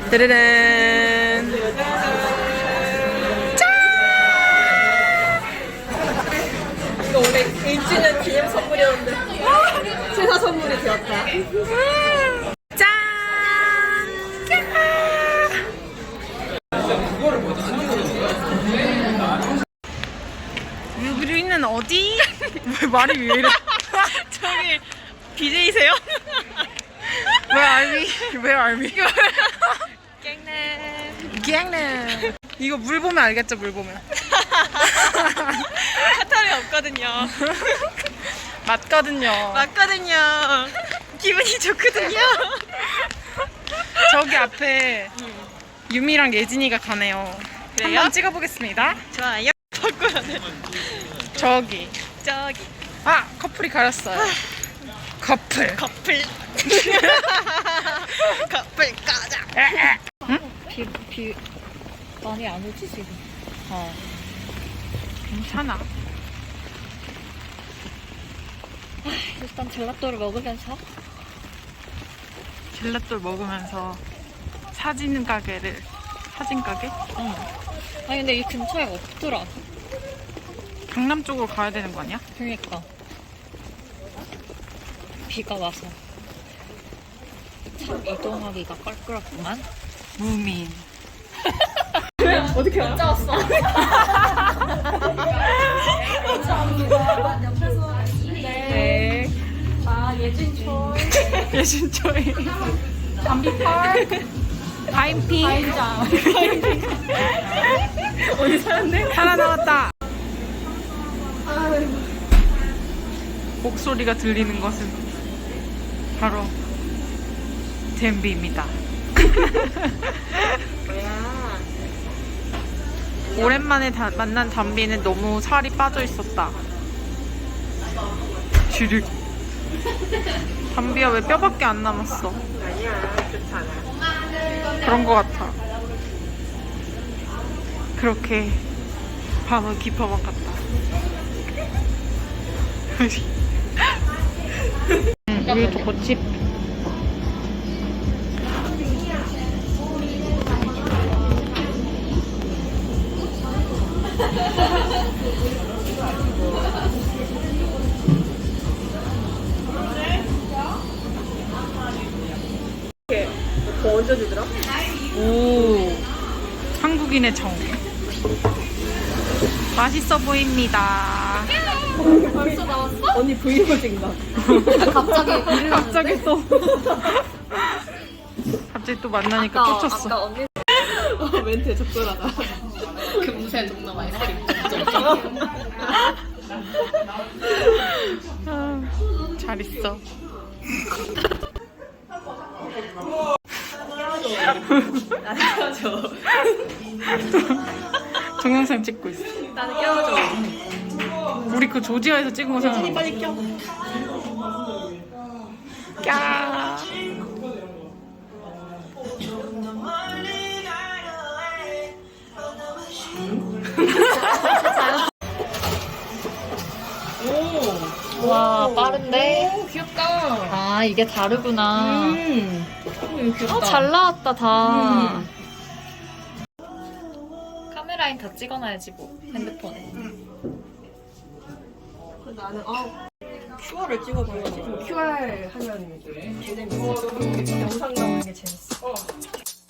따르른. 짠! 이거 원래 1주년 기념 선물이었는데 제사 선물이 되었다. 짠! 여기는 어디? 왜 말이 왜 이래? 저기 BJ세요? 왜 알미? 깽네. 갱네. 이거 물 보면 알겠죠? 물 보면. 카타르 없거든요. 맞거든요. 맞거든요. 기분이 좋거든요. 저기 앞에 유미랑 예진이가 가네요. 그래요? 한번 찍어보겠습니다. 좋아요. 바꿔야 돼. 저기. 저기 아! 커플이 가렸어요. 커플. 커플. 커플 가자. 비 많이 안 오지 지금. 괜찮아. 일단 젤라또를 먹으면서 젤라또를 먹으면서 사진 가게? 응. 아니 근데 이 근처에 없더라. 강남 쪽으로 가야 되는 거 아니야? 그러니까 비가 와서 참 이동하기가 껄끄럽구만. 무민. 어떻게 혼자 왔어? 네. 아 예진초이. 예진초이. 담비펄. 바인핑. 어디 사는데? 하나 나왔다. 목소리가 들리는 것은 바로 댐비입니다. 오랜만에 만난 담비는 너무 살이 빠져 있었다. 주륵. 담비야 왜 뼈밖에 안 남았어? 아니야 괜찮아. 그런 거 같아. 그렇게 밤은 깊어만 갔다. 여기 초코칩. 뭐 얹어주더라? 오, 한국인의 정. 맛있어 보입니다. 벌써 나왔어? 언니 브이로그인가? 갑자기 또 갑자기 또 만나니까 꽂혔어. 아까 언니 멘트 적절하다. 금세 동남 아이스크림. 잘 있어. 나는 껴줘. 동영상 찍고 있어. 나는 껴줘. 우리 그 조지아에서 찍은 거 생각나. 빨리 껴. 까. 와 빠른데? 오, 귀엽다. 아 이게 다르구나. 이거 귀엽다. 잘 나왔다 다. 카메라인 다 찍어놔야지 뭐 핸드폰에. 나는 QR을 찍어봐야지. QR 하면 영상 나오는 게 재밌어.